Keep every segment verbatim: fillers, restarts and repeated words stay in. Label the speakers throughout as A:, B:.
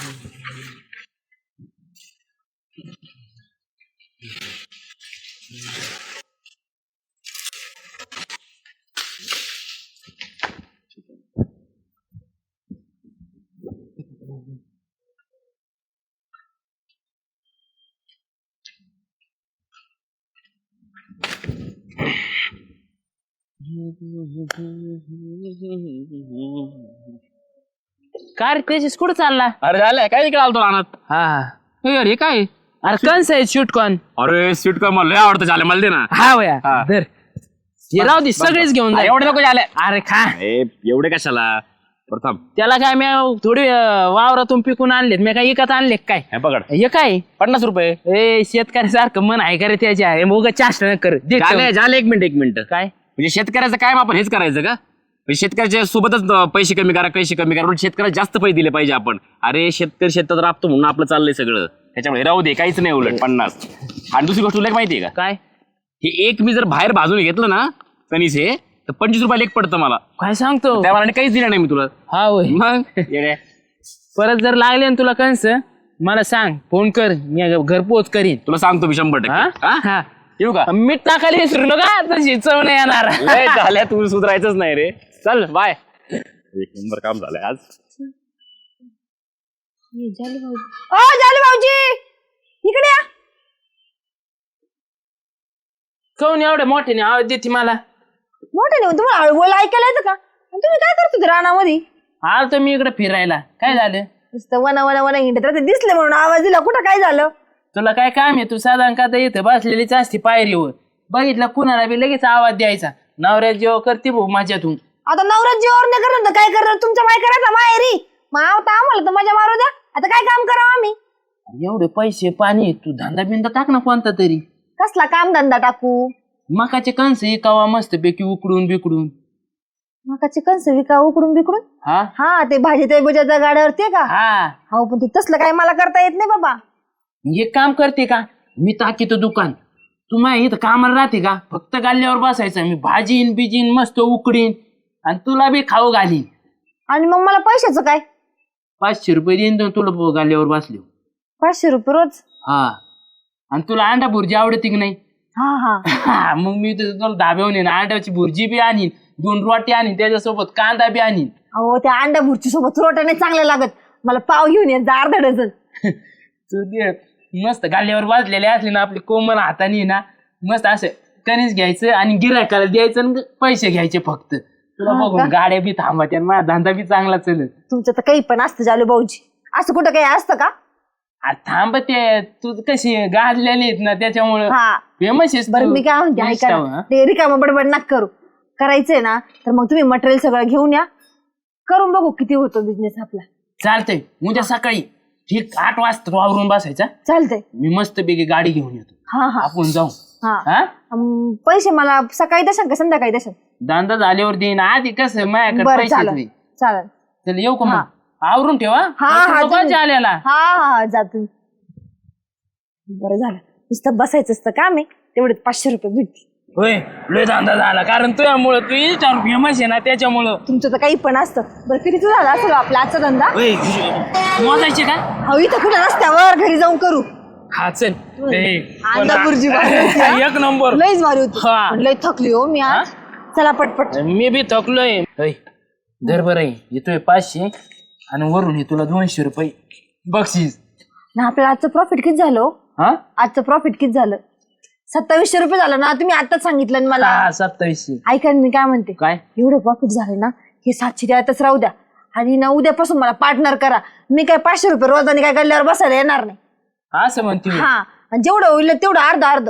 A: काय रे तेजस कुठं चालला?
B: अरे झालंय काय इकडे आलतो रानात.
A: हा
B: हे अरे काय
A: अरे कंस आहे स्वीटकॉर्न?
B: अरे स्वीट कॉर्न मला लय आवडतं. झालं मला दे ना.
A: हा वया
B: हा.
A: धर हे राहू दे सगळेच घेऊन जा.
B: एवढे नको झाले.
A: अरे खा.
B: एवढे कशाला प्रथम
A: त्याला काय मी थोडी अं, वावरातून पिकून आणलेत मी काय इकत आणले काय?
B: हे पकड
A: हे काय
B: पन्नास रुपये.
A: ए शेतकऱ्यासारखं मन आहे का रे त्याच्या आहे मग चाष्ट न कर दे
B: झाले झाले एक मिनिट एक मिनिट.
A: काय
B: म्हणजे शेतकऱ्याचं काय आपण हेच करायचं का? म्हणजे शेतकऱ्याच्या सोबतच पैसे कमी करा पैसे कमी करा शेतकऱ्याला जास्त पैसे दिले पाहिजे आपण. अरे शेतकरी शेतात राबतो म्हणून आपलं चाललंय सगळं. त्याच्यामुळे राहू दे काहीच नाही उलट पन्नास. आणि दुसरी गोष्ट तुला एक माहितीये का?
A: काय
B: हे एक मी जर बाहेर भाजून घेतलं ना कणीस हे तर पंचवीस रुपयाला एक पडतं मला.
A: काय सांगतो?
B: त्या मनाने काहीच दिलं नाही मी तुला.
A: हा होय
B: मग येड्या.
A: परत जर लागले ना तुला कंस मला सांग फोन कर मी घरपोच करीन.
B: तुला सांगतो मी शंभर
A: हा?
B: टक्के. हा?
A: हा.
B: येऊ का?
A: मीठ टाकायला विसरू नका तशी चव नाही येणार.
B: लय झाल्या तू सुधारायचंच नाही रे. चल बाय. एक नंबर काम झालंय आज.
C: ओ जालू भाऊजी इकडे या.
A: कोण एवढ्या मोठ्याने आवाज देते मला?
C: मोठे नाही तुम्हाला हळू बोल ऐकायला येतं का? आणि तुम्ही काय करत होते रानामध्ये?
A: आलो तर मी इकडे फिरायला. काय झालं?
C: नुसतं वना वना वना हिंडत राहते दिसले म्हणून आवाज दिला. कुठं काय झालं?
A: तुला काय काम आहे? तू साधारण का इथं बसलेलीच असते पायरीवर. बघितलं कुणाला बी लगेच आवाज द्यायचा. नवऱ्या जेव्हा करते भाऊ माझ्यातून.
C: आता नवरा जीवावर नाही करत तर काय करणार? तुमच्या बाय करायचा माहेरी मग आता आम्हाला तर मजा मारू द्या. आता काय काम करावं आम्ही?
A: एवढे पैसे पाणी तू धंदा बिंदा टाक ना कोणता तरी.
C: कसला काम धंदा टाकू?
A: मकाचे कणस एकावा मस्त पैकी उकडून बिकडून.
C: मकाचे कणस विका उकडून बिकडून?
A: हा
C: हा ते भाजी ते बुजाच्या गाड्यावरती का?
A: हा
C: हो पण ते तसलं काय मला करता येत नाही बाबा.
A: एक काम करते का? मी टाकीतो दुकान. तू माझ्या इथं कामाला राहते का? फक्त गाल्ल्यावर बसायचं. मी भाजीन बिजीन मस्त उकडीन आणि तुला बी खाऊ घालीन.
C: आणि मग मला पैशाचं काय?
A: पाचशे रुपये देईन तर तुला गाल्ल्यावर बसले.
C: पाचशे रुपये रोज?
A: हा आणि तुला अंडा भुर्जी आवडते की नाही?
C: हा हा
A: हा मग मी तर तुला धाब्यावर येईन अंड्याची भुर्जी बी आणीन दोन रोटी आणीन त्याच्यासोबत कांदा बी आणीन.
C: अहो त्या अंडा भुर्ची सोबत रोट्या नाही चांगल्या लागत. मला पाव घेऊन ये जा अर्धा डझन.
A: तू दे मस्त गाल्ल्यावर वाजलेले असले ना आपले कोमल हाताने ना मस्त असं कणीस घ्यायचं आणि गिरायकाला द्यायचं आणि पैसे घ्यायचे फक्त. तुला
C: हा
A: बघून गाड्या बी थांबत्या माझा धंदा बी चांगला चलत.
C: तुमचं तर काही पण असतं जालू भाऊजी. असं कुठं काही असतं का?
A: थांबते तू कशी गाजलेली आहेत ना त्याच्यामुळं
C: हा
A: फेमस आहेस
C: बरं
A: तू.
C: मी काय म्हणते ऐका
A: इंस्टावर,
C: ना,
A: हा?
C: ते रिकामं बडबड नका करू. करायचंय ना तर मग तुम्ही मटेरियल सगळं घेऊन या. करून बघू किती होतो बिझनेस आपला.
A: चालतंय उद्या सकाळी ठीक आठ वाजता तू आवरून बसायचा.
C: चालतंय.
A: मी मस्त पैकी गाडी घेऊन येतो.
C: हा हा
A: आपण जाऊ.
C: हा
A: हा
C: अं, पैसे मला सकाळी दशाल का संध्याकाळी दशाल?
A: धंदा झाल्यावर देईन आधी कसं माझ्याकडे
C: बरं
A: पैसे
C: चालेल
A: नाही.
C: चालेल.
A: चल येऊ का
C: हा.
A: मग आवरून ठेवा.
C: हा हा तुम्ही-
A: आल्याला
C: हा हा जा तुम्ही. बरं झालं नुसतं बसायचं असतं काम आहे तेवढे पाचशे रुपये भेटतील.
A: होय लय धंदा झाला कारण तुझ्यामुळं तू इंस्टावर फेमस आहे ना त्याच्यामुळं.
C: तुमचं तर काही पण असतं. बरं किती झाला असेल आपला आजचा धंदा?
A: होय मोजायचे का?
C: हो इथं कुठं रस्त्यावर घरी जाऊन करू.
A: हा चल ए,
C: अंडा भुर्जी भारी होती, हा?
A: एक नंबर.
C: लईच भारी होती.
A: हा.
C: पण लई थकली हो मी आज. चला पटपट.
A: मी बी थकलोय. होय दर बरं आहे येतोय पाचशे आणि वरून हे तुला दोनशे रुपये बक्षीस.
C: ना आपल्याला आजचं प्रॉफिट किती झालं?
A: हा
C: आजचं प्रॉफिट किती झालं? सत्तावीसशे रुपये झालं ना. तुम्ही आताच सांगितलं ना मला.
A: हा सत्तावीसशे.
C: ऐका ना, मी काय म्हणते
A: काय
C: एवढं प्रॉफिट झालं ना हे सातशे द्यायतच राहू द्या. आणि ना उद्यापासून मला पार्टनर करा. मी काय पाचशे रुपये रोजाने काय गल्ल्यावर बसायला येणार नाही.
A: असं म्हणते मी.
C: हा आणि जेवढं होईल ना तेवढं अर्ध अर्ध.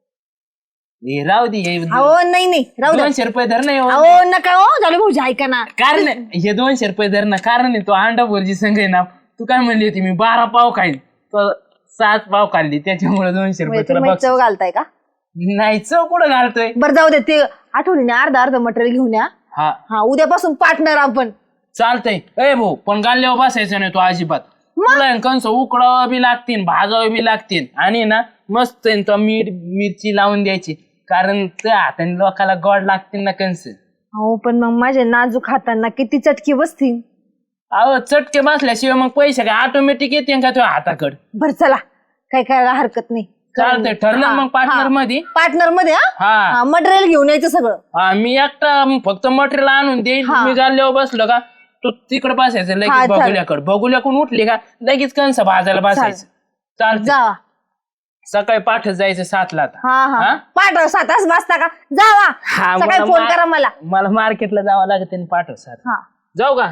A: हे राहू दे हे
C: अहो नाही नाही राहू द्या.
A: दोनशे रुपये धर नाही
C: अहो नका हो झालं भाऊजी ऐका ना.
A: कारण हे दोनशे रुपये धर ना कारण आहे तो अंडा भुर्जी संघ आहे ना. तू काय म्हणली होती मी बारा पाव खाईन तर सात पाव खाल्ली त्याच्यामुळे दोनशे रुपये तुला
C: तुम्ही
A: बक्षीस.
C: चव घालताय का?
A: नाही चव कुठं घालतोय.
C: बरं जाऊ दे ते आठवणीने अर्ध अर्ध मटेरियल घेऊन या.
A: हा
C: हा उद्यापासून पार्टनर आपण.
A: चालतंय ए भाऊ पण गाल्ल्यावर बसायचं नाही तो अजिबात. तुला कंस उकडावं बी लागतील भाजावं बी लागतील आणि ना मस्त आहे तो मीठ मिरची लावून द्यायची कारण त्या हाताने लोकाला गोड लागतील ना कंस.
C: हो पण मग माझ्या नाजूक हातांना किती चटकी बसतील.
A: अहो चटके बसल्याशिवाय मग पैसे काय ऑटोमॅटिक येते का तुझ्या हाताकडे?
C: बरं चला, काय करायला हरकत नाही.
A: चालतंय, ठरलं मग पार्टनर मध्ये.
C: पार्टनर मध्ये
A: हा.
C: हा मटेरियल घेऊन यायचं सगळं.
A: हा मी एकटा फक्त मटेरियल आणून देईन.
C: हा.
A: मी गाल्ल्यावर बसलो का तू तिकडे बसायचं
C: हा,
A: लगेच
C: चालेल.
A: बघुल्याकडे. बघुल्याकडून उठली का लगेच कंस भाजायला बसायचं. चालतं.
C: जावा.
A: सकाळी पाठच जायचं सातला आता.
C: हा
A: हा?
C: हा पाठव सात वाजता वाजता का जावा.
A: हा,
C: सकाळी
A: मला
C: फोन
A: मा-
C: करा मला.
A: मला मार्केटला जावं लागत पाठव सात.
C: हा
A: जाऊ का?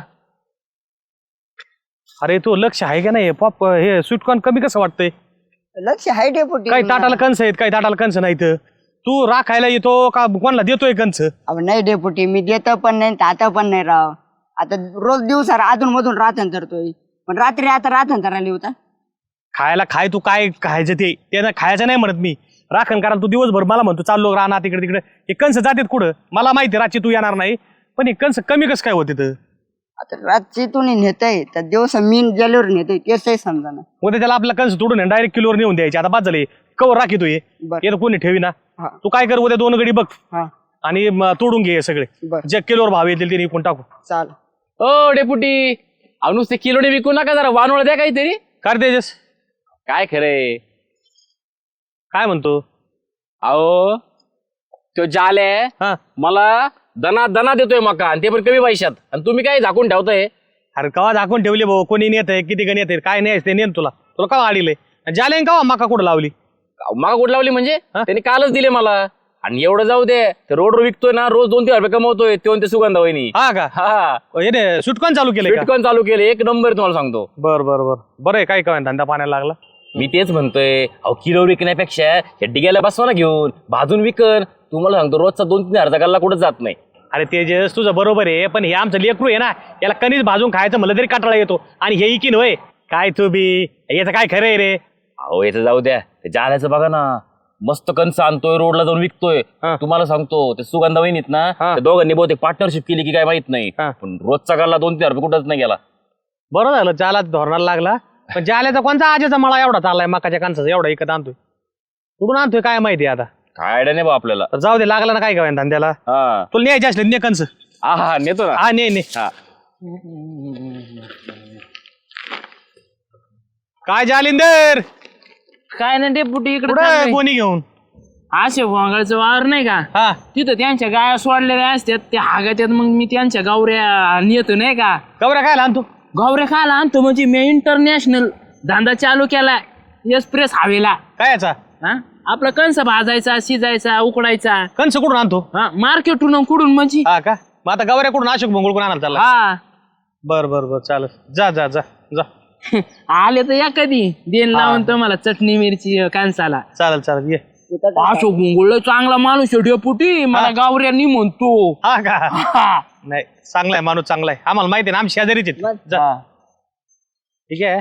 D: अरे तू लक्ष आहे का नाही पॉप हे स्वीटकॉर्न कमी कसं वाटतंय?
E: लक्ष आहे डेपुटी.
D: काही ताटाला कंस आहेत काही ताटाला कंस नाहीत. तू राखायला येतो का कोणाला देतोय कंस?
E: अहो नाही डेपुटी, मी देत पण नाही आता पण नाही राव. आता रोज दिवसा अधून मधून राहतन तरतोय, पण रात्री आता राहतन तर आली होता.
D: खायला खाय तू काय खायचं ते त्यानं खायचं नाही म्हणत मी. राखण करायला तू दिवसभर मला म्हणतो चाललो राहणार तिकडे तिकडे. हे कंस जातात कुठं मला माहिती, रात्री तू येणार नाही पण हे कंस कमी कसं काय होते तर?
E: आता रात्री तुम्ही नेतय तर दिवसा मी गेल्यावर नेतोय तेच समजा ना.
D: उद्या त्याला आपला कंस तोडून डायरेक्ट किलोवर नेऊन द्यायचे. आता बाद झाले कवर राखी तू ये
E: बरं.
D: येतं कोणी ठेवी ना.
E: हा.
D: तू काय कर उद्या दोन गडी बघ
E: हा
D: आणि म, तोडून घे हे सगळे.
E: बरं.
D: जे किलोवर भाव येतील ते विकून टाकू.
E: चाल.
B: ओ डेपुटी, अहो नुसते किलोने विकू नका, जरा वानवळ द्या काहीतरी.
D: कर तेजस
B: काय खरंय?
D: काय म्हणतो?
B: अहो तो जाले
D: हा
B: मला दना दना देतोय मका, आणि ते पण कमी पैशात, आणि तुम्ही काय झाकून ठेवताय?
D: अरे कवा दाखवून ठेवले भाऊ, कोणी नेत आहे किती गण येते काय नाही ते नेन तुला तुला कवा आडीले जाले कवा मका कुठं लावली?
B: मका कुठं लावली म्हणजे? त्यांनी कालच दिले मला. आणि एवढं जाऊ दे, ते रोडवर विकतोय ना, रोज दोन तीन हजार रुपये कमवतोय ते ते सुगंधा वहिनी.
D: हा का?
B: हा
D: हे रे सुटकॉन चालू केले का?
B: बिटकॉइन चालू केले, एक नंबर तुम्हाला सांगतो.
D: बर बर बर बरं आहे. काय काय धंदा पाण्याला लागला?
B: मी तेच म्हणतोय, अहो किलो विकण्यापेक्षा या डिग्याला बसवा ना घेऊन, भाजून विकन. तुम्हाला सांगतो रोजचा दोन तीन हजारचा गल्ला कुठं जात नाही.
D: अरे तेजस तुझं बरोबर आहे, पण हे आमचं लेकरू आहे ना, याला कणीस भाजून खायचं म्हणलं तरी काटाळा येतो. आणि हे इकीन होय काय तू बी, याचं काय खरं आहे रे?
B: अहो याचं जाऊ द्या, ते जाल्याचं बघा ना, मस्त कंस आणतोय रोडला जाऊन विकतोय.
D: हा.
B: तुम्हाला सांगतो ते सुगंधा वहिनीत ना,
D: हा.
B: त्या दोघांनी बहुतेक पार्टनरशिप केली की काय माहित नाही,
D: हा.
B: पण रोजचा गल्ला दोन तीन हजार रुपये कुठंच नाही गेला.
D: बरं झालं जाला धोरणाला लागला. पण जाल्याचा कोणता आजेचा मला एवढा चाललाय मकाच्या कांचाचा एवढा इकत आणतोय? कुठून आणतोय काय माहिती आता?
B: काय आयडिया नाही बा आपल्याला.
D: तर जाऊ दे, लागला ना काय काय धंद्याला.
B: हा
D: तुला न्यायचे असले ने कंस.
B: हा हा नेतो ना.
D: हा ने ने
B: हा
D: काय जालिंदर
A: काय नाही डेपुटी
D: कुठं
A: इकडे
D: कोणी घेऊन?
A: असे वांगळचं वावर नाही का,
D: हा
A: तिथं त्यांच्या गाया सोडलेल्या असतात त्या हागात्यात. मग मी त्यांच्या गावऱ्या नेतो नाही का.
D: गवऱ्या काय आणतो?
A: गावऱ्या खायला आणतो म्हणजे मी इंटरनॅशनल धंदा चालू केला एक्सप्रेस हवेला.
D: काय याचा
A: हा आपला कंस भाजायचा, शिजायचा, उकडायचा.
D: कंस कुठून आणतो?
A: हा मार्केटून कुठून म्हणजे.
D: हा का? मग आता गवऱ्या कुठून अशोक भोंगळ कोण आणायला चालला?
A: हा
D: बर बर बर चालत जा जा जा जा
A: आले तर या कधी देण लावून तुम्हाला चटणी मिरची कांसाला.
D: चालेल चालेल ये.
A: अशोक गुंगुळ चांगला माणूस आहे डेपुटी, मला गावऱ्यांनी म्हणतो.
D: हा का?
A: हा.
D: नाही चांगला आहे माणूस, चांगला आहे. आम्हाला माहिती आहे ना, आम्ही शेजारीच आहेत. जा
A: हा.
D: ठीक आहे.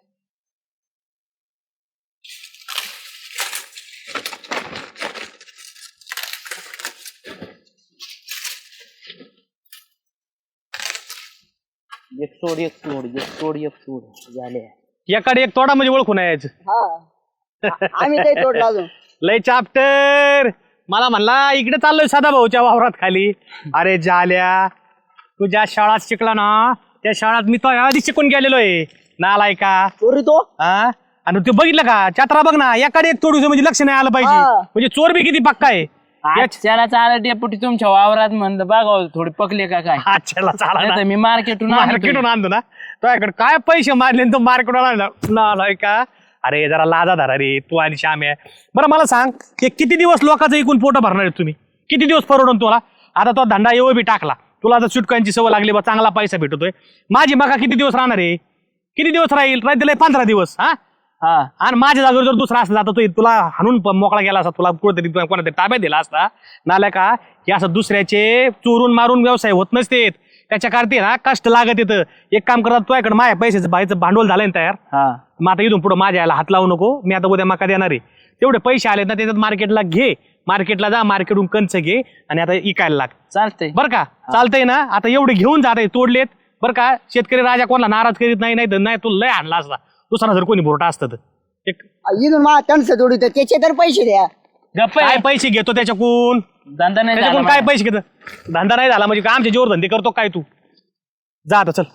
A: एक सोड एक सोड एक सोड एक सोड झाले.
D: एकाडे एक तोडा म्हणजे ओळखून आहे यायचं.
E: हा आम्ही काही तोडला अजून.
D: लय चाप्टर मला म्हणला इकडे चाललोय सदा भाऊच्या वावरात खाली. अरे जाल्या, तू ज्या शाळात शिकला ना त्या शाळात मी तो आधी शिकून गेलेलो आहे. नालाय का
E: चोरी तो
D: हा? आणि ते बघितलं का चात्रा बघ ना, एकाडे एक तोडू म्हणजे लक्ष नाही आलं पाहिजे.
E: हा.
D: म्हणजे चोर बी किती पक्का आहे.
A: त्याला चालत डेपुटी तुमच्या वावरात म्हणलं बघा थोडे पकले का काय.
D: हा चला चाला
A: नाही
D: ना.
A: तर मी मार्केटून
D: मार्केटून आणतो ना तुझ्याकडे काय पैसे मारले आणि तो मार्केटून आणला नालाय का. अरे जरा लाजा धरा रे तू आणि श्याम्या. बरं मला सांग, ते किती दिवस लोकांचं एकूण पोट भरणार आहेत तुम्ही? किती दिवस परवडून तुला? आता तो धंदा येऊ बी टाकला, तुला आता सुटकांची सवय लागली बा, चांगला पैसा भेटतोय. माझी मका किती दिवस राहणार आहे? किती दिवस राहील? राहतील पंधरा दिवस. हा
A: हा
D: आणि माझ्या जागेवर जर दुसरा असला तर तो तुला हाणून प- मोकळा गेला असता, तुला कुठेतरी कोणातरी ताब्यात दिला असता. नाल्या का हे असं दुसऱ्याचे चोरून मारून व्यवसाय होत नसते. त्याच्या करते ना कष्ट लागत येतं. एक काम करतात, तुझ्याकडे माझ्या पैशाचं बाहेरचं भांडवल झालंय ना तयार.
A: हा
D: मग आता इथून पुढे माझ्या याला हात लावू नको. मी आता उद्या मका देणार आहे. तेवढे पैसे आलेत ना त्याच्यात मार्केटला घे, मार्केटला जा, मार्केटहून कंच घे आणि आता इकायला लाग.
A: चालतंय.
D: बरं का? चालतंय ना? आता एवढे घेऊन जात आहे, तोडलेत बरं का. शेतकरी राजा कोणाला नाराज करीत नाही. नाही तर नाही तू लय आणला असता दुसरा जर कोणी भोरटा असतं तर. एक
E: इथून मा त्यांचं जोडीत त्याचे तर पैसे द्या.
A: गप्प
D: काय
A: आहे.
D: पैसे घेतो त्याच्याकून?
A: धंदा नाही झाला
D: त्याच्याकडून काय
A: माझा.
D: पैसे घेतो? धंदा नाही झाला म्हणजे का आमच्या जोर धंदे करतो काय तू? जा आता चल.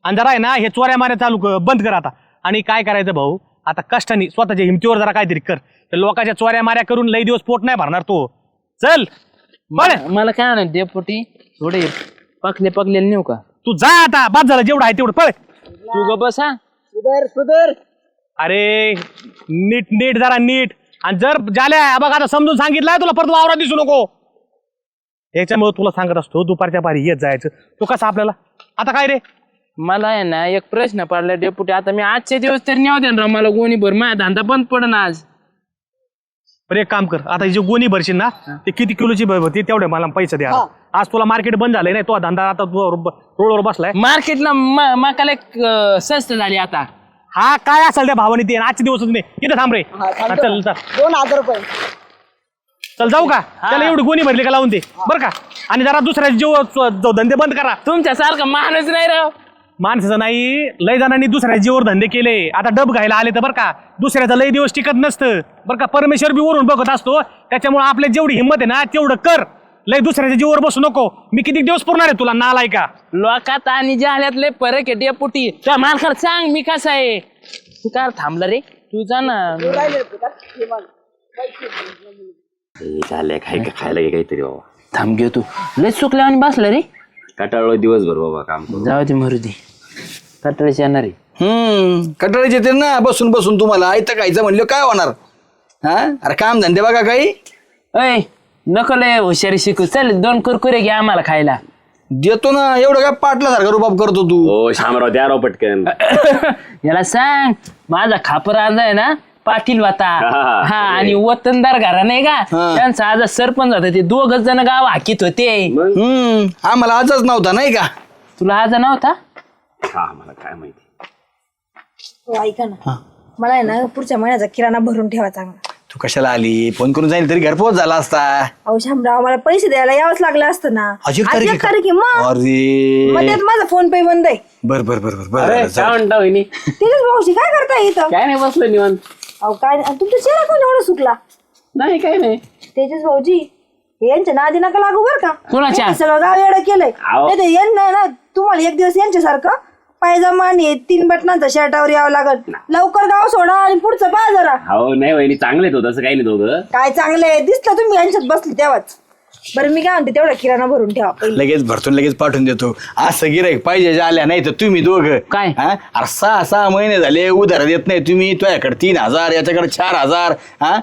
D: आणि जरा आहे ना हे चोऱ्या माऱ्या चालू क- बंद कर आता. आणि काय करायचं भाऊ, आता कष्टाने स्वतःच्या हिमतीवर जरा काहीतरी कर. तर लोकांच्या चोऱ्या माऱ्या करून लई दिवस पोट नाही भरणार तो. चल बरं,
A: मला मला काय नाही डेपुटी थोडे पकले पकलेले नेऊ का?
D: तू जा आता, बाद झालं जेवढं आहे तेवढं पळ.
A: तू ग बस हा.
E: सुधर सुधर.
D: अरे नीट नीट जरा नीट. आणि जर झाल्या बघ आता समजून सांगितलंय तुला, परत वावरात दिसू नको. याच्यामुळे तुला सांगत असतो दुपारच्या पारी येत जायचं. तो कसं आपल्याला आता काय रे,
A: मला आहे ना एक प्रश्न पडला डेपुटी. आता मी आजचे दिवस तरी नेऊ दे ना मला गोणी भर, माझा धंदा बंद पडन आज.
D: बरं एक काम कर, आता जे गोणी भरशील ना ते किती किलोची भर ते तेवढे मला पैसे द्या. आज तुला मार्केट बंद झालंय नाही, तो धंदा आता तू रोडवर बसलाय.
A: मार्केटला मकाला एक अं, स्वस्त झाली आता.
D: हा काय असेल त्या भावाने ते आजचे दिवसच नाही. इथं थांब रे. हा, चल चल
E: दोन हजार रुपये.
D: चल जाऊ का, त्याला एवढी गोणी भरली का लावून दे बरं का. आणि जरा दुसऱ्या जीव धंदे बंद करा.
A: तुमच्यासारखं माणूस नाही राव.
D: माणसाचं नाही, लय जणांनी दुसऱ्या जीवर धंदे केले. आता डब घायला आले तर बरं का, दुसऱ्याचं लय दिवस टिकत नसतं बरं का. परमेश्वर बी वरून बघत असतो, त्याच्यामुळे आपल्या जेवढी हिंमत आहे ना तेवढं कर. लय दुसऱ्याच्या जीवर बसू नको. मी किती दिवस पुरणार आहे तुला नालाय का.
A: लोकात आणि जाहल्यात लय फरक आहे डेपुटी. त्या मालकाला सांग मी कसा आहे. तू काय थांबला रे, तू जा ना.
B: झालंय काय का खायला घे काहीतरी बाबा.
A: थांब घेऊ तू. लय चुकल्या आणि बसला रे.
B: कटाळलो दिवसभर बाबा काम करू.
A: जाऊ दे मरुदी, कटळीच येणार आहे.
F: हम्म कटाळीचे येते ना बसून बसून. तुम्हाला आयतं खायचं म्हणलं काय होणार. हा अरे काम धंदे बघा काही.
A: अय नको लय हुशारी शिकू. चल दोन कुरकुरे घ्या आम्हाला खायला.
F: देतो ना, एवढं काय पाटल्यासारखा रुबाब करतो तू.
B: हो शामराव द्या राव पटकन.
A: याला सांग माझा खापर आज आहे ना पाटील वाता.
B: हा,
A: हा आणि वतनदार घरा नाही का,
F: हा.
A: त्यांचा आज सरपंच होता. ते दोघच जण गाव हाकीत होते.
F: हम्म आम्हाला आजच नव्हता नाही का.
A: तुला आज नव्हता.
B: हा मला काय माहिती.
C: हो, ऐका ना, मला आहे ना पुढच्या महिन्याचा किराणा भरून ठेवा चांगला.
F: तू कशाला आली, फोन करून जाईल तरी घरपोच झाला असता.
C: अहो शामराव, मला पैसे द्यायला यावंच लागलं असतं ना.
F: आज एक
C: आज
F: तारीख
C: एक
F: आहे का?
C: तारीख आहे मग.
F: अरे
C: मग त्यात माझा फोन पे बंद आहे.
F: बर बर बर बर
A: अरे
F: बर
A: काय म्हणता वहिनी?
C: तेजस भाऊशी काय करताय इथं?
A: काय नाही बसलो निवांत.
C: अहो काय आणि तुमचा चेहरा कोण एवढा सुकला?
A: नाही काय नाही.
C: तेजस भाऊजी यांच्या नादी नका लागू बर का.
A: कोणाच्या?
C: यांनी सगळं गाव एवढं केलंय.
B: अहो.
C: नाही तर यांना ना तुम्हाला एक दिवस यांच्यासारखं पायजमा आणि तीन बटनांचा शर्टावर यावं लागल. लवकर गाव सोडा आणि पुढचं पहा जरा.
B: हो नाही वहिनी चांगले तो तसं काही नाही दोघं.
C: काय चांगले दिसलं तुम्ही यांच्यात बसले तेव्हाच. बरं मी काय म्हणते तेवढा किराणा भरून ठेवा पहिले.
F: लगेच भरतून लगेच पाठवून देतो. असं गिराईक पाहिजे जे आल्या नाही तर तुम्ही दोघं
A: काय?
F: हा अरे सहा सहा महिने झाले उधार देत नाही तुम्ही. तुझ्याकडे तीन हजार याच्याकडे चार हजार हा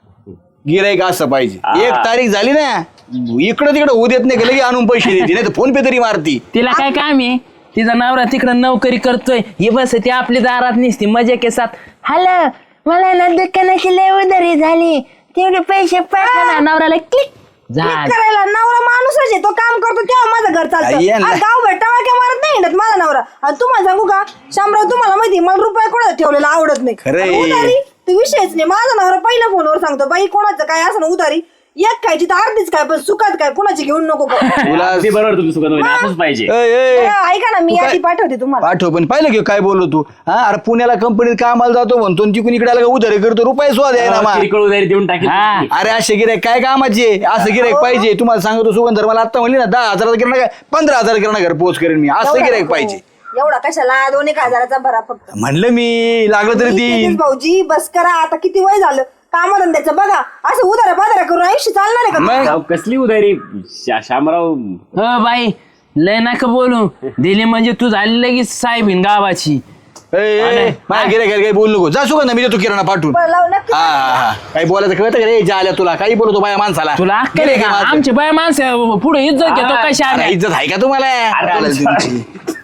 F: गिराईक असं पाहिजे. एक तारीख झाली ना इकडं तिकडं होऊ देत नाही का, लगे आणून पैसे देते नाही तर फोन पे तरी मारती.
A: तिला काय काम आहे. तिचा नवरा तिकडं नोकरी करतोय, हे बस ती आपली दारात निसती मजा के साथ. हॅलो मला ना दुकानाची लय उधारी झाली, तेवढे पैसे पाठवा. नवऱ्याला क्लिक
C: क्लिक करायला नवरा माणूसच आहे, तो काम करतो तेव्हा माझं घर चालतं.
F: आई यांना-
C: आज गाव भेटावा काय मारत नाही हिंडत माझा नवरा. आणि तुम्हाला सांगू का शामराव, तुम्हाला माहिती मला रुपये कोणाचा ठेवलेला आवडत नाही.
F: खरंय.
C: आणि उधारी ते विषयच नाही. माझा नवरा पहिल्या फोनवर सांगतो, बाई कोणाचं काय असं उधारी एक खायची तर अर्धीच काय, पण सुखात काय कोणाची घेऊन नको करू.
F: तुला
B: अगदी बरोबर तुमचं सुगंध वहिनी असंच पाहिजे.
F: ए, ए,
C: ऐका ना, मी
F: तू काय-
C: यादी पाठवते तुम्हाला.
F: पाठव पण पाहिलं की काय बोललो तू. हा अरे पुण्याला कंपनीत कामाला जातो म्हणतो आणि तिकडून इकडे आला का उधारी करतो. रुपये सुद्धा द्यायला मा.
B: किरकोळ उधारी देऊन टाकेल.
A: हा.
F: अरे असे गिराईक काय कामाचे. असं गिराईक पाहिजे. तुम्हाला सांगतो सुगंधर मला आता म्हणली ना दहा हजाराचा किराणा काय पंधरा हजार किराणा घर पोच करेन मी. असं
C: एवढा
F: गिराईक
C: नको.
F: पाहिजे.
C: एवढा कशाला, दोन एक हजाराचा भरा फक्त.
F: म्हणलं मी लागलं तरी ती
C: तेजस भाऊजी बस करा आता, किती वय झालं कामधंद्याचं बघा. असं उधारा बाजारा करून आयुष्य चालणार आहे का?
F: मग
B: राव, कसली उधारी शा- शामराव.
A: हो बाई लय नका बोलू. दिली म्हणजे तू झाली लगेच साहेबीन गावाची.
F: ए, ए, माझ्या गिराईक काही बोलू नको. जा सुगंध मी देतो किराणा पाठवून.
C: बरं, लाव नक्की.
F: हा हा हा काही बोलायचं कळतं का रे. जा आल्या तुला काही बोलतो बाया माणसाला.
A: तुला अक्कल आहे
F: गिऱ्हाईक
A: का?
F: आहे माझं.
A: आमची बाय माणसं पुढे इज्जत घेतो कशा
F: अरे, इज्जत आहे का तुम्हाला. बोलायला तुमची.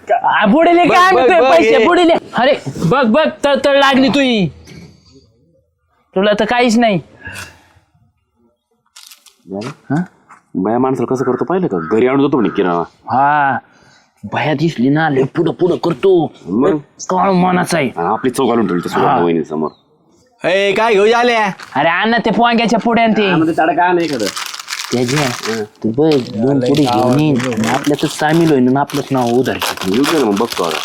A: पुढे
F: बघ,
A: काय
F: बघ,
A: आणतोय
F: बघ,
A: पैसे
F: हे.
A: पुढे अरे बघ बघ तळतळ लागली तुई. तुला तर काहीच नाही.
B: बाया माणसाला कसं करतो पाहिलं का, घरी आणून जातो म्हणे किराणा.
A: हा भया दिसली ना लय पुढं पुढं करतो.
B: मग
A: काळ मनाचा आहे.
B: आणि आपली चौक घालून ठेवली सुगंध वहिनी समोर.
F: ए काय घेऊ आल्या.
A: अरे अण्णा ते पोंग्याच्या पुढे आणि ते
B: मध्ये ताडा का नाही एखादं.
A: त्याच्या तू बघ दोन पुढे घेऊन येईन आणि आपल्यातच सामील होईन आणि आपलंच नाव उधार.
B: येऊ दे ना मग बघतो आता.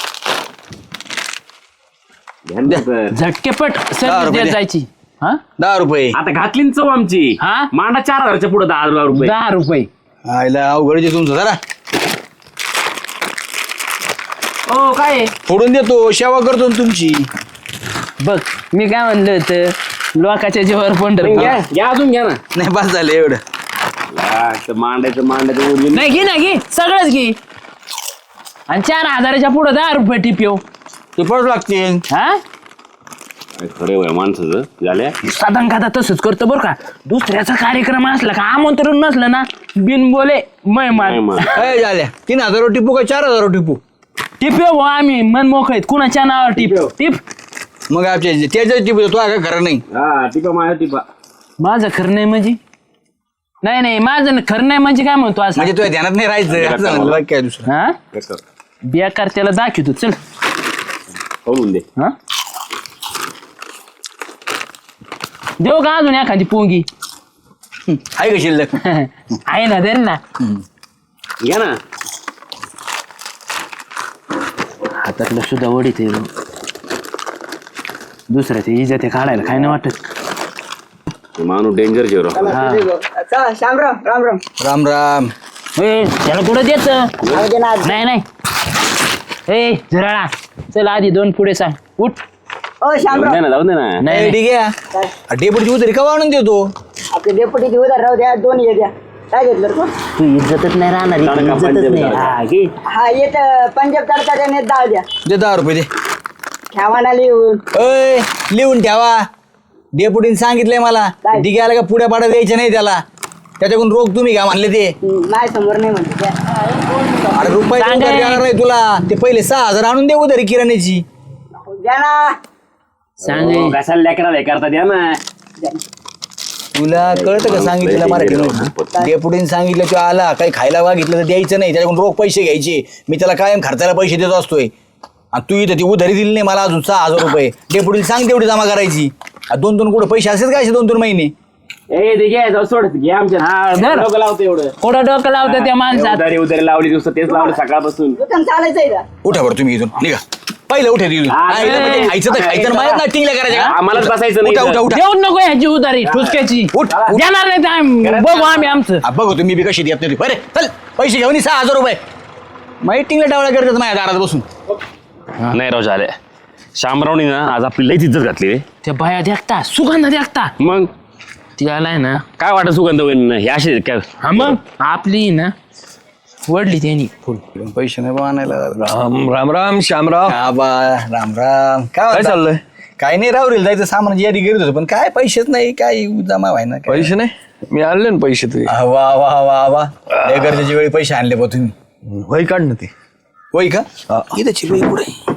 B: ध्यान द्या तर.
A: झटकेपट
F: दहा
A: सर्विस
F: रुपये
A: देत
F: दे.
A: जायची. हा
F: दहा रुपये
B: आता घातली ना चव आमची.
A: हा?
B: मांडा चार हजारच्या पुढे दहा हजार रुपये.
A: दहा रुपये
F: आयला अवघडचे तुमचं जरा.
A: हो काय
F: फोडून देतो, सेवा करतो ना तुमची.
A: बघ मी काय म्हणलं होतं लोकाच्या जीवावर पंढर
B: घ्या घ्या अजून घ्या ना
F: नाही बस झालं एवढं.
B: हा, ते मांडायचं मांडायचं उरली
A: नाही घे ना घे सगळंच घे आणि चार हजाराच्या पुढे दहा रुपये टिप्यो
F: ते पडू लागते.
A: हा
B: खरे वय माणसाचं झाल्या
A: साधारण खाता तसंच करतो बरं का. दुसऱ्याचा कार्यक्रम असला का आमंत्रण नसलं ना बिन बोले मेहमान
F: काय झाल्या तीन हजार टिपू का चार हजार टिपू?
A: टिप्यो हो आम्ही मन मोकळीत कुणाच्या नावावर टिप टिप
F: मग आमच्या त्याच्याच टिपू तो काय खरं नाही.
B: हा टिपा माझ्या टिपा
A: माझं खरं नाही म्हणजे नाही नाही माझं न- खरं नाही म्हणजे काय म्हणतो असं
F: म्हणजे तुझ्या ध्यानात नाही राहायचं असं म्हणलं बाकी काय दुसरं.
A: हा बेकार त्याला दाखवतो चल
B: करून दे
A: हा देऊ का अजून एखादी पोंगी
F: आहे का शिल्लक?
A: आहे ना दे ना
B: घ्या ना
A: हातातलं सुद्धा वडीत आहे दुसऱ्या ते इजा ते काढायला काय नाही वाटत.
B: हे माणूस डेंजर जेरो
E: चला श्यामराव राम राम.
F: राम राम.
A: ए, त्याला कुठं देत
E: जाऊ दे ना.
A: नाही नाही ए झुराळा चल आधी दोन पुढे सांग उठ
E: ओ
B: जाऊ
E: श्यामराव
B: दे ना जाऊ दे ना
A: नाही
F: ए,
A: नाही.
F: ठीक आहे डेपुटीची उतरी का आणून देतो?
E: आपले डेपुटीची उधार राहू द्या दोन ये द्या. काय घेतलं रे तू?
A: तू इज्जतच नाही राहणार
B: चालेल का,
A: इज्जतच
B: पंजाबी
A: नाही
B: चालेल.
A: हा घे
E: हा येत पंजाब तडकाच्या नेत डाळ द्या.
F: दे दहा रुपये दे.
E: ठेवाना लिहून.
F: अय लिहून ठेवा. डेपुटीने सांगितलंय मला
E: काय?
F: डिग्याला का पुढ्या पाड्या द्यायच्या नाही त्याला. त्याच्याकडून रोग तुम्ही घ्या म्हणले ते.
E: माझ्या समोर नाही म्हणते द्या.
F: अरे रुपये
A: सांग
F: उधार
A: रे.
F: देणार नाही तुला. ते पहिले सहा हजार आणून दे उधारी किराण्याची.
E: द्या ना.
A: सांग
B: हो, कशाला लेकराला हे करता द्या ना
F: तुला कळतं का सांगितलं मराठी? डेपुटीने सांगितलं तू आला काही खायला मागितलं तर द्यायचं नाही. त्याच्याकडून रोख पैसे घ्यायचे. मी त्याला कायम खर्चाला पैसे देत असतोय. आणि तू इथं ती उधारी दिली नाही मला अजून सहा हजार रुपये. डेपुटीला सांग तेवढी जमा करायची. आणि दोन दोन कुठं पैसे असेच काय दोन दोन महिने?
B: ए ते घ्या जाऊ सोड घ्या आमच्या
A: हा, धर.
B: डोकं लावतो एवढं
A: कुठं डोकं लावतं त्या माणसात
B: उधारी उधारी लावली दिवस तेच लावलं सकाळपासून
E: दुकान चालायचंय का?
F: उठा बरं तुम्ही इथून निघा. पहिलं उठा तिथून.
B: हा,
F: हा, इथं म्हणजे खायचं तर खायचं माझ्या ना टिंगल्या करायच्या का?
B: आम्हालाच बसायचं नाही
F: उठा उठा
B: इथं.
F: उठा.
A: देऊन नको ह्याची उधारी ठुसक्याची
F: उठ, उठ.
A: देणार नाही तर आम्ही बघू आम्ही आमचं
F: हा, बघू तुम्ही बी कशी देत नाही. बरे चल पैसे घेऊन ये, सहा हजार रुपये. माहिती टिंगल्या टावळ्या करतात माझ्या दारात बसून.
B: नाही राव झाले शामरावनी ना आज आपली लईच इज्जत घातली रे.
A: त्या बाया देखता सुगंध देखता
B: मग
A: ती आलाय ना
B: काय वाटत सुगंध होईल हे असे काय
A: हा मग आपली ना वडली त्यांनी फुल
F: पैसे नाही बा आणायला.
D: राम राम राम श्यामराव.
F: हा बा राम राम. काय
D: काय
F: म्हणता?
D: चाललंय?
F: काय नाही रावरील जायचं सामान यादी करत होतो पण काय पैसेच नाही काय जमा व्हाय ना काय.
D: पैसे नाही मी आणले ना पैसे तुझे.
F: हा, वा वा वा वा लय गरजेच्या वेळी पैसे आणले बा तुम्ही.
D: वही काढ ना ते.
F: होय का?
D: हा.
F: इथं चिकळी पुढे.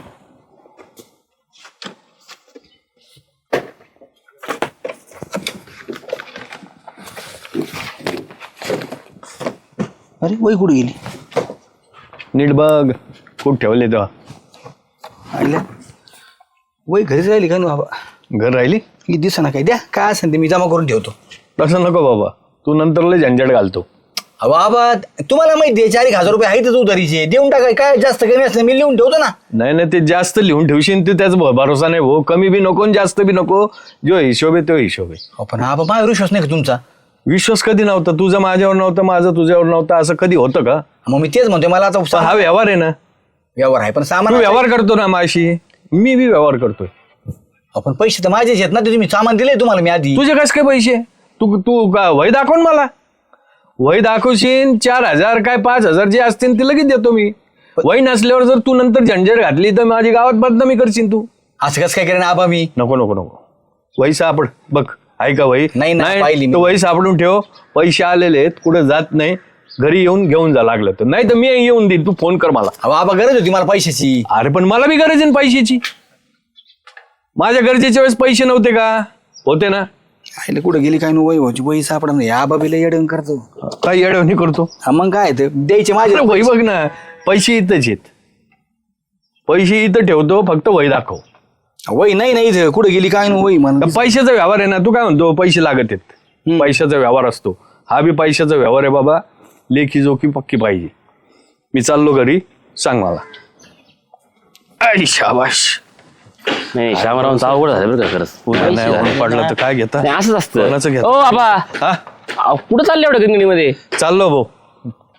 F: अरे वही कुठे गेली?
D: नीट बघ कुठं ठेवले तेव्हा.
F: आणल्या वही घरीच राहिली का ना बाबा?
D: घर राहिली
F: ही दिसा ना काय द्या काय असेल ते मी जमा करून ठेवतो.
D: तसं नको बाबा तू नंतर लय झंझट घालतो.
F: अहो बाबा तुम्हाला माहिती आहे चार एक हजार रुपये आहेतच उधारीचे देऊन टाकाय काय जास्त कमी असलं मी लिहून ठेवतो ना.
D: नाही नाही ते जास्त लिहून ठेवशील ते त्याच भरोसा नाही भाऊ. कमी बी नको आणि जास्त बी नको. जो हिशोब आहे तो हिशोब आहे.
F: अहो, पण हा बाबा विश्वास नाही का तुमचा?
D: विश्वास कधी नव्हता तुझं माझ्यावर नव्हतं माझं तुझ्यावर नव्हतं असं कधी होतं का?
F: मग मी तेच म्हणतोय मला आता
D: पण
F: सा-
D: हा व्यवहार आहे ना.
F: व्यवहार आहे पण
D: तू
F: सामान
D: व्यवहार करतो ना माझी मी बी व्यवहार करतोय.
F: आपण पैसे तर माझेच आहेत ना ते तुम्ही सामान दिले तुम्हाला मी आधी.
D: तुझे कस काय पैसे तू तू का वही दाखव ना मला. वही दाखवशील चार हजार काय पाच हजार जे असतील ते लगेच देतो मी. वही नसल्यावर जर तू नंतर झंझट घातली तर माझी गावात बदनामी करशील तू.
F: असं कसं काय करेन आबा मी?
D: नको नको नको वही सापड बघ आहे का वही?
F: नाही ना, पाहिली मी.
D: तर वही सापडून ठेव. पैसे आलेले आहेत कुठे जात नाही. घरी येऊन घेऊन जा लागलं तर नाही तर मी येऊन देईन तू फोन कर मला.
F: अहो आबा गरज होती मला पैशाची.
D: अरे पण मला बी गरज आहे ना पैशाची. माझ्या गरजेच्या वेळेस पैसे नव्हते का? होते ना.
F: आईला कुठं गेली काय नो वही व्हायची वही सापडा नाही आबा बिला येडवून करतो.
D: काय येडवणी करतो?
F: हा मग काय ते द्यायचे माझे.
D: अरे वही बघ ना पैसे इथंच आहेत. पैसे इथं ठेवतो फक्त वही दाखव.
F: वही नाही नाही इथं कुठं गेली काय नो वही
D: तर
F: म्हणून.
D: पैशाचा व्यवहार आहे ना. तू काय म्हणतो पैसे लागत आहेत. पैशाचा व्यवहार असतो. हा बी पैशाचा व्यवहार आहे बाबा. लेखी जोखी पक्की पाहिजे. मी चाललो घरी सांग मला. आई शाबाश.
B: नाही शामरावांचं अवघड झालं बरं का खरंच
D: नाही ओळख पडलं तर काय घेता?
B: नाही, असंच असतं
D: कोणाचं घेता?
B: ओ बाबा
D: हा
B: अहो, कुठं चालले एवढं गंगणीमध्ये?
D: चाललो भाऊ.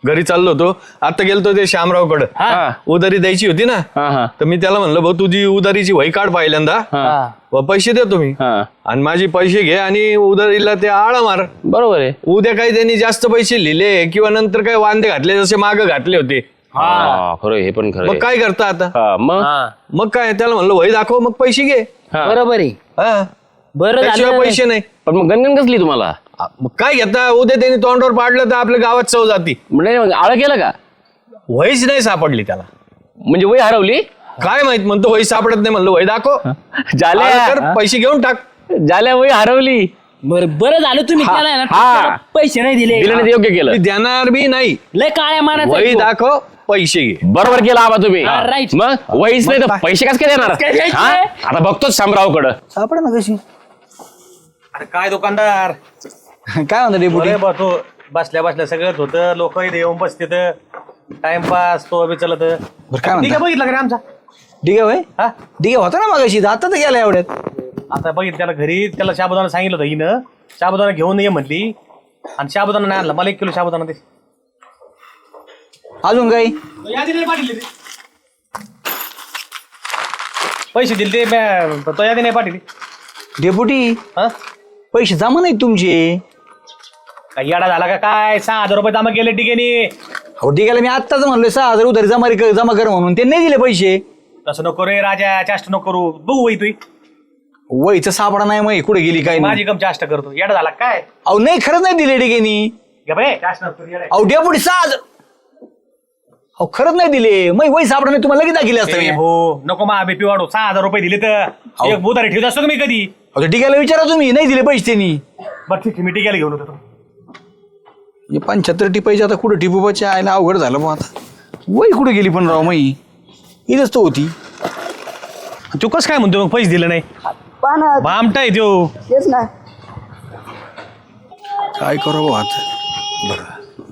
G: घरी चाललो होतो आता गेलतो ते श्यामरावकडं
B: हा.
G: उधारी द्यायची होती ना
B: हा हा
G: तर मी त्याला म्हणलं भाऊ तुझी उधारीची वही काढ पहिल्यांदा
B: हा
G: व पैसे देतो मी
B: हा
G: आणि माझी पैसे घे आणि उधारीला ते आळा मार.
B: बरोबर आहे.
G: उद्या काही त्यांनी जास्त पैसे लिहिले किंवा नंतर काही वांदे घातले जसे माग घातले होते
B: हा खरं आहे, हे पण खरं
G: मग
B: आहे.
G: काय करता आता
B: हा, मग
G: मग काय त्याला म्हणलं वही दाखव मग पैसे घे.
B: हा.
A: बरोबर आहे.
G: हा
A: बरं
G: त्याशिवाय
A: झालं
G: पैसे नाही.
B: पण मग गणगण कसली तुम्हाला
G: मग काय घेता उद्या त्यांनी तोंडावर पाडलं तर आपल्या गावात चव जाती.
B: म्हणजे मग आळ केलं का
G: वहीच नाही सापडली त्याला.
B: म्हणजे वही हरवली
G: काय माहित म्हणतो वही सापडत नाही म्हणलं वही दाखव
B: झाल्या
G: आलं तर पैसे घेऊन टाक.
B: झाल्या वही हरवली.
A: बरं बरं झालं तुम्ही
B: हा,
A: त्याला आहे ना,
B: हा.
A: त्याला पैसे नाही दिले
B: दिलं नाही ते योग्य
G: मी
B: केलं.
G: देणार बी नाही.
A: लय काळ्या मानाचा
G: वही
A: आहे तो.
G: दाखव पैसे घे.
B: बरोबर केलं आबा तुम्ही.
A: हा, right.
B: मग वहीच नाही तर पैसे कस काय देणार
A: काय द्यायचे?
B: हा? आता बघतोच शामरावकडं.
F: सापडा ना कशी.
D: अरे काय दुकानदार
F: काय म्हणता डेपुटी?
D: अरे बा तो बसल्या बसल्या सगळंच होतं लोक इथे येऊन बसते टाइमपास तो बी चलत
F: बरं काय
D: ठीक आहे
F: म्हणता?
D: बघितलं का रे आमचा
F: ठीक आहे
D: हा
F: ठीक आहे होता ना मगाशी आता तर गेला एवढ्यात.
D: आता बघितलं त्याला घरी त्याला शाबुदाना सांगितलं होतं हिनं शाबुदाना घेऊन ये म्हटली आणि शाबुदाना नाही आणला मला एक किलो शाबुदाना दे.
F: अजून काही
D: यादी नाही पाठवली ती. पैसे दिले ते म्या- तो यादी नाही पाठवली
F: डेपुटी
D: हा
F: पैसे जमा नाहीत तुमचे.
D: काय येडा झाला का काय सहा हजार रुपये जमा केले टिकेनी.
F: अहो ठीक आहे मी आत्ताच म्हणलोय सहा हजार उधारी जमा रे- जमा कर म्हणून ते नाही दिले पैसे.
D: तसं नको रे राजा चाष्ट नको करू बघू वही तुई
F: वहीचं सापडा नाही मग कुठे गेली काय नाही.
D: माझी कम चाष्ट करतो येडा झाला काय
F: अहो नाही खरंच नाही दिले डिगेनी.
D: घे बाई, चाष्ट नको करू, येडा.
F: अहो डेपुटी सहा हजार अहो खरंच नाही दिले मग वही सापडा नाही तुम्हाला लगेच दाखिले असतं मी.
D: ए हो नको मा बीपी वाढू सहा हजार रुपये दिले तर एक बुधारी ठेवत असतो का मी कधी
F: अहो डिग्याला विचारा तुम्ही नाही दिले पैसे त्यांनी.
D: बरं ठीक आहे मी टिकायला घेऊन होतो
F: हे पंच्याहत्तर टिपायचे आता कुठे टिपूबाच्या आयला अवघड झालं मग आता. वही कुठे गेली पण राव मई इथंच तो होती.
D: तू कसं काय म्हणतो मग पैसे दिले नाही
E: पाना
D: भामटा आहे त्यो
E: तेच ना
F: काय करू भाऊ आता.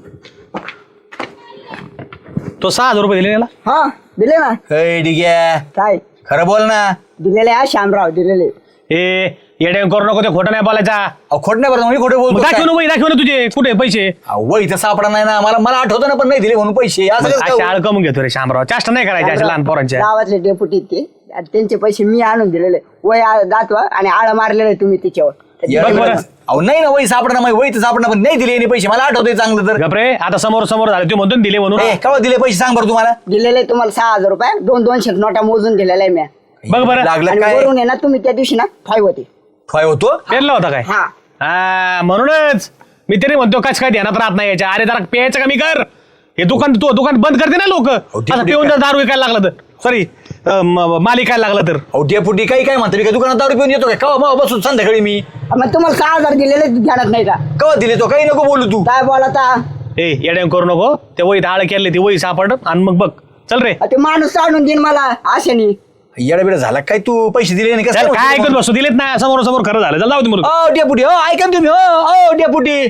D: तो सहा हजार रुपये दिले याला
E: हा दिले ना
F: अय डिग्या
E: काय
F: खरं बोल ना.
E: दिलेले हा श्यामराव दिलेले.
D: ए येड्या करू नको ते खोटं नाही बोलायचा
F: अहो खोट नाही बरं मी खोटे
D: मग
F: बोलतो
D: दाखव
F: काय?
D: ना बाई, दाखव ना तुझे कुठे पैसे
F: अहो, वहीचं सापडा नाही ना मला मला आठवतं ना पण नाही दिले म्हणून पैसे असं कसं काय
D: अशा
F: होईल?
D: आळ कमून घेतो रे शामराव चाष्ट नाही करायचे अशा लहान पोरांच्या
E: गावातले डेपुटी ते आणि त्यांचे पैसे मी आणून दिलेले वय आ- दातवा आणि आळ मारलेले तुम्ही तिच्यावर.
F: या
D: बघ बरं.
F: अहो नाही ना वही सापडा नाही वही तर सापडा पण नाही दिले यांनी पैसे मला आठवतंय चांगलं तर.
D: गपरे आता समोर समोर झाले तू म्हणतो ना दिले म्हणून
F: ए, केव्हा दिले पैसे सांग बरं तुम्हाला.
E: दिलेले तुम्हाला सहा हजार रुपये दोन दोनशे नोटा मोजून दिलेल्या आहे मी
D: बघ बरं
F: लागलं
E: आणि
F: काय
E: वरून आहे ना तुम्ही त्या दिवशी ना फाईव्ह होते.
F: ठोय होतो.
D: पेरला होता काय
E: हा
D: हा म्हणूनच मी तरी म्हणतो कस काय ध्यानात राहत नाही याच्या अरे जरा प्यायचं कमी कर हे दुकान तो दुकान बंद करते ना लोक
F: ठीक
D: असं पिऊन जर दारू विकायला लागला तर सॉरी माल विकायला लागला तर
F: अहो डेपुटी काही काय म्हणतो मी काय दुकानात दारू पिऊन येतो काय केव्हा मग बसून संध्याकाळी मी
E: मग तुम्हाला सहा हजार दिलेले ध्यानात नाही का
F: केव्हा दिले तो काही नको बोलू तू.
E: काय बोलाता
D: ए येड्या करू नको ते वही आळ केले ती वही सापड आणि मग बघ चल रे
E: ते माणूस आणून देईन मला आशेनी.
F: येडा बिडा झाला काय तू पैसे दिले नाही
D: चल, काय ऐकत
F: कसं.
D: बसू दिलेत ना समोर समोर खरं झालं चल जाऊ दे म्हणून
F: ओ डेपुटी हो ऐका ना तुम्ही हो ओ डेपुटी.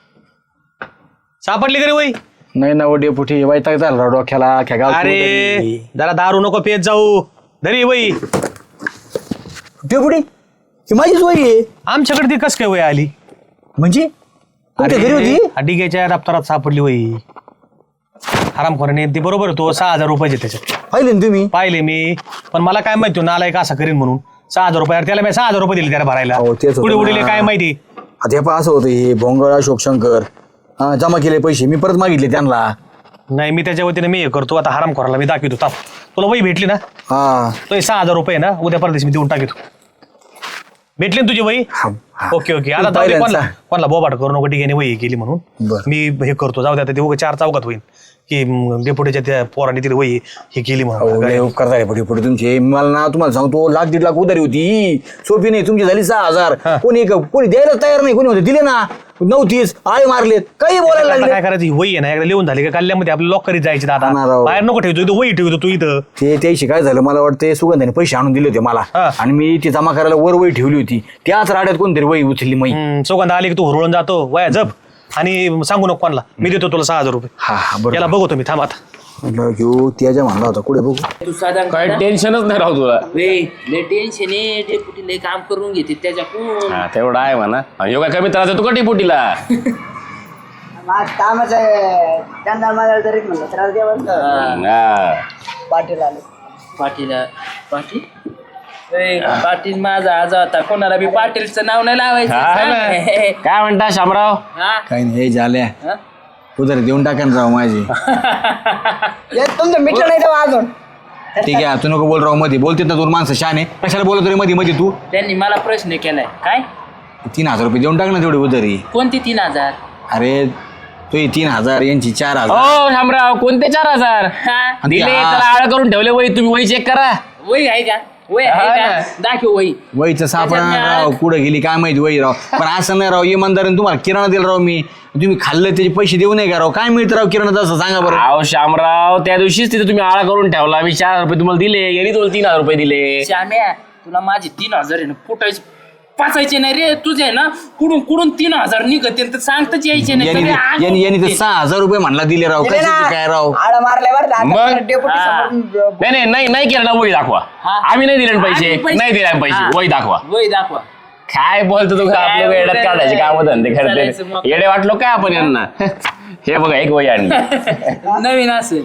D: सापडली का रे वही
F: नाही ना ओ डेपुटी वैताग झाला राव डोक्याला अख्ख्या गावात
D: अरे
F: उतरली.
D: जरा दारू नको पेत जाऊ धरी वही
F: डेपुटी ही माझीच वही आहे
D: आमच्याकडे ती कस काय वही आली
F: म्हणजे तुमच्या घरी होती.
D: डिगेच्या दप्तरात सापडली वही हरामखोराने ते बरोबर तो सहा हजार रुपयाचे त्याच्यात
F: पाहिले ना तुम्ही.
D: पाहिले मी पण मला काय माहिती नालायक असा करीन म्हणून सहा हजार रुपये त्याला मी सहा हजार रुपये दिले त्याला भरायला
F: हो, तेच होतं
D: पुढे
F: ना.
D: उडीले काय माहिती
F: आता हे पहा असं होतं हे भोंगळ अशोक शंकर हा जमा केले पैसे मी परत मागितले त्यांना.
D: नाही मी त्याच्या वतीने मी हे करतो आता हरामखोराला मी दाखवतो ताप तुला वही भेटली ना
F: हा
D: तो हे सहा हजार रुपये ना उद्या परदेश मी देऊन टाकतो भेटली ना तुझी वही
F: हा, हा.
D: ओके ओके आता
F: तू
D: जाऊ दे,
F: पहिल्यांदा.
D: कोणाला कोणाला बोबाट करू नको ठीक आहे वही केली म्हणून
F: बरं.
D: मी हे करतो जाऊ दे आता ते उगा चार चौकात होईल की म, डेपुटीच्या त्या पोराने तिथे वही हे केली
F: अहो,
D: म्हणून
F: लय उपकार झाले पुढे पुढे तुमचे मला ना तुम्हाला सांगतो लाख दीड लाख उधारी होती सोपी नाही तुमची झाली सहा हजार
D: हा.
F: कोणी कोणी द्यायला तयार नाही कोणी होते दिले ना नव्हतीच आळे मारलेत काही बोलायला
D: आता
F: लागले.
D: काय करायची वही आहे ना एकदा लिहून झाली का कल्ल्यामध्ये आपल्या लॉक करीत जायची दादा
F: हा ना राव.
D: बाहेर नको ठेवतो इथं वही ठेवतो तू इथं
F: ते त्याशी काय झालं मला वाटतं सुगंधाने पैसे आणून दिले होते मला
D: हा.
F: आणि मी ती जमा करायला वर वही ठेवली होती त्याच राड्यात कोणतरी वही उचलली मई.
D: हम्म, सुगंध आली की तू हुरळून जातो वया जप आणि सांगू नको कोणाला मी देतो तुला सहा हजार रुपये
F: हा हा बरं
D: याला बघतो मी थांब आता
F: म्हटलं घेऊ त्याच्या म्हणला होता कुठे बघू.
A: तू साधा
B: काय टेन्शनच नाही राहू तुला.
A: लय टेन्शन आहे डेपुटी लय काम करून घेते त्याच्याकडून.
B: हा तेवढा आहे म्हणा आणि योगा कमी त्रास देतो का टिपुटीला
E: आज कामच आहे त्यांना मला तरी म्हणलं त्रास द्या बरं का.
B: हा.
E: पाटील आले
A: पाटील पाटील ए, पाटील माझा आज होता कोणाला बी पाटीलचं नाव नाही लावायचं
B: हा
A: सांग.
B: ना. काय म्हणता शामराव
A: हा?
F: काही नाही हे झाल्या
A: हा?
F: उधार देऊन टाका ना राव माझी
E: हे तुमचं मिटलं नाही तेव्हा अजून
F: ठीक आहे तू नको बोल राव मध्ये बोलते ना दोन माणसं शाने कशाला बोलत रे मध्ये मध्ये तू
A: त्यांनी मला प्रश्न केलाय काय
F: तीन हजार रुपये देऊन टाक ना तेवढी उधारी
A: कोणती तीन हजार
F: अरे तू हे तीन हजार यांची चार हजार
B: हो शामराव कोणते चार हजार
A: हा?
B: दिले
F: हा.
B: त्याला आळ करून ठेवले वही तुम्ही वही चेक करा
A: वही आहे का वही आहे
B: हा
A: का
B: ना.
A: दाखव वही
F: वहीचं सापडा
A: त्याच्यात
F: राव
A: मी
F: कुठं गेली काय माहिती वही राव पण असं नाही राव इमानदारीने तुम्हाला किराणा दिला राव मी तुम्ही खाल्लं त्याचे पैसे देऊ नये का राव काय मिळतं राव किराणा असं सांगा बरं
B: अहो शामराव त्या दिवशीच तिथे तुम्ही आळा करून ठेवला मी चार रुपये तुम्हाला दिले यांनी तुम्हाला तीन हजार रुपये दिले
A: श्याम्या तुला माझे तीन हजार आहे ना फुटायचे पाचायचे नाही रे तुझे आहे ना कुडून कुडून तीन हजार निघते तर सांगताच यायचे नाही
F: यांनी
A: सगळे आग
F: यांनी यांनी तर
A: होते.
F: सहा हजार रुपये म्हणला दिले राव
E: दिले
F: कशाचे
E: ना.
F: काय राव
E: आळा मारल्या बरं का.
B: मग?
E: आता डेपुटी
A: हा.
E: समोरून
B: नाही नाही नाही नाही केलं ना वही दाखवा
A: हा.
B: आम्ही नाही दिले ना पैसे
A: आम्ही पैसे-
B: नाही दिले आम्ही पैसे
A: हा.
B: वही दाखवा
A: वही दाखवा
B: काय बोलतो तू
A: काय
B: आपलं वेड्यात
A: बोलतोय?
B: काढायचे काम धंदे
A: चालायचं मग.
B: करते येडे वाटलो काय आपण यांना हे बघा एक वही आणली
A: नवीन असेल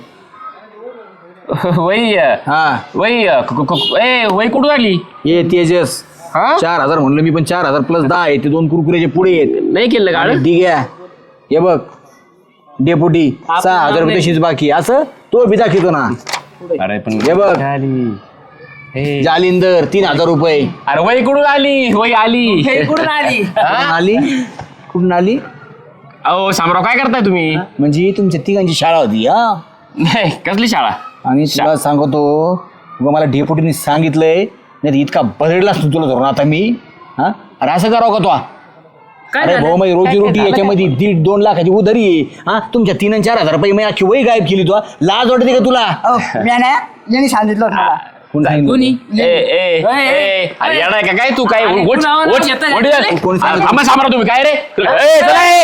B: वही अं,
F: हा
B: वही अं, क- क- क- ए वही कुठून आली
F: ये तेजस
B: हा?
F: चार हजार म्हणलं मी पण चार हजार प्लस दहा आहे ते दोन कुरकुरेचे पुढे आहेत
B: नाही केलं का
F: आणि ठीक आहे हे बघ डेपुटी
A: आपलं
F: सहा हजार
A: नाव
F: रुपये
A: नाही.
F: तशीच बाकी असं तो बी दाखवतो ना
B: अरे पण
F: हे बघ
B: हे.
F: जालिंदर तीन हजार रुपये
B: अरे वही कुठून आली वही आली
A: हे कुठून आली
F: कुठून आली कुठून आली
B: अहो शामराव काय करताय तुम्ही
F: म्हणजे तुमच्या तिघांची शाळा होती हा
B: नाही कसली शाळा
F: आणि तुला सांगतो उगा मला डेपुटीने सांगितलंय नाही तर इतका बदललाच तू तुला धरून आता मी हा अरे असं करावं का तो
A: काय
F: अरे
A: झालं?
F: भाऊ माझी रोजी
A: काय-
F: रोटी
A: काय झालं?
F: याच्यामध्ये दीड दोन लाखाची उधारी आहे हा तुमच्या तीन आणि चार हजार रुपये मी अख्खी वही गायब केली तू लाज वाटते का तुला
E: अहो, मी नाही यांनी सांगितलं होतं मला
F: कोण सांगितलं?
A: कोणी
B: ए ए
A: ए,
B: ए अरे येणार का काय तू काय
A: अरे,
B: वोट-
A: कुणावर
B: वोट-
A: येतं?
B: वोट-
A: अरे,
F: कोणी सांगितलं?
B: थांबा शामराव तुम्ही काय रे ए, चला, ए.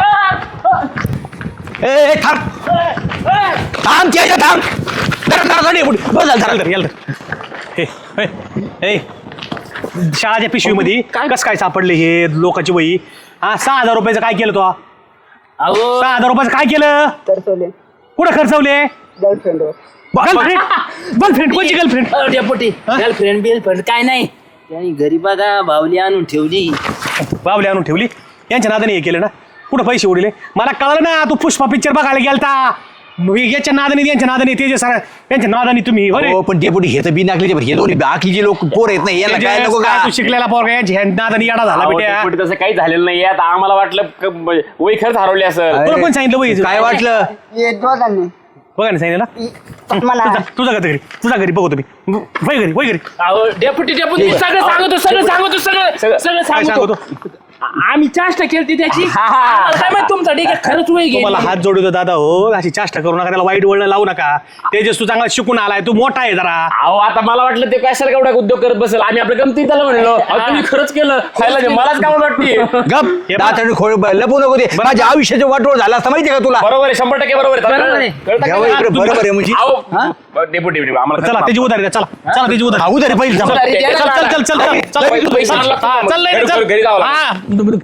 F: ए, ए, थांब थांब त्याच्या थांब धर, धर, धर, डेपुटी. बस झालं,
D: चाल
F: धर.
D: तर, याल तर. हे, हे, हे. शाळाच्या पिशवीमध्ये कस काय सापडले हे लोकांची वही हा सहा हजार रुपयाचं काय केलं तो
A: अहो
D: सहा हजार रुपयाचं काय केलं
E: तर सोले
D: कुठं खर्चवले
E: गर्लफ्रेंड
D: गर्लफ्रेंड गर्लफ्रेंड कोणची गर्लफ्रेंड
A: डेपुटी गर्लफ्रेंड बिलफ्रेंड काय नाही त्यांनी घरी बघा बावली आणून ठेवली
D: बावली आणून ठेवली यांच्या नादाने हे केलं ना कुठं पैसे उडले मला कळलं ना तू पुष्पा पिक्चर बघायला गेलता मग याच्या नादाने यांच्या नादाने ते जे सर यांच्या नादाने तुम्ही अरे
F: हो पण डेपुटी हे तर बी नाकलीचे बरं. हे दोन्ही बाकीचे लोक पोर येत नाही याला काय नको का
D: तू शिकलेला पोरगा यांच्या नादाने येडा झाला
B: अहो,
D: बेट्या
B: डेपुटी तसं काही झालेलं नाही आता आम्हाला वाटलं क- ब- वही खरंच हरवली असं
D: तुला कोण सांगितलं वही
F: काय वाटलं
E: हे दोघांनी
D: बघा ना सांगितलं
E: मला
D: ना तुझा घरी तुझा घरी बघतो मी वय घरी वय घरी
A: अहो डेपुटी डेपुटी सगळं सांगतो सगळं सांगतो सगळं सगळं
D: काय
A: सांगतो
D: सांगतो
A: आम्ही चाष्टा केली त्याची आम्हाला काय माहित तुमचा ठीक आहे खरंच वय
D: तुम्हाला
A: गेली
D: हात जोडतो दादा हो अशी चाष्टा करू नका त्याला वाईट वळण लावू नका तेजस तू चांगला शिकून आलाय तू मोठा आहे जरा
B: अहो आता मला वाटलं ते कशाला केवढा उद्योग करत बसेल आम्ही आपल्या गमती त्याला म्हणलो अहो, तुम्ही खरंच केलं खायला दे, मलाच काय वाटते
F: गप दाताने खोळ लपू नको ते माझ्या आयुष्याचं वाटोळ झालं असतं माहितीये का तुला
B: बरोबर आहे शंभर टक्के बरोबर आहे
A: बरोबर आहे.
B: कळतं का
F: घ्यावं
B: नाही?
F: इकडे बरोबर आहे म्हणजे
B: अहो,
F: हा?
B: डेपुटी डेपुटी, आम्हाला
D: चला त्याची उधारी द्या चला चला त्याची उधारी
F: भाऊ तरी पहिले
A: उधारी द्या.
D: चल चल चल चल चल
B: पैसे आणला.
D: चल
B: घरी- घरी जावं लागतं.
D: हा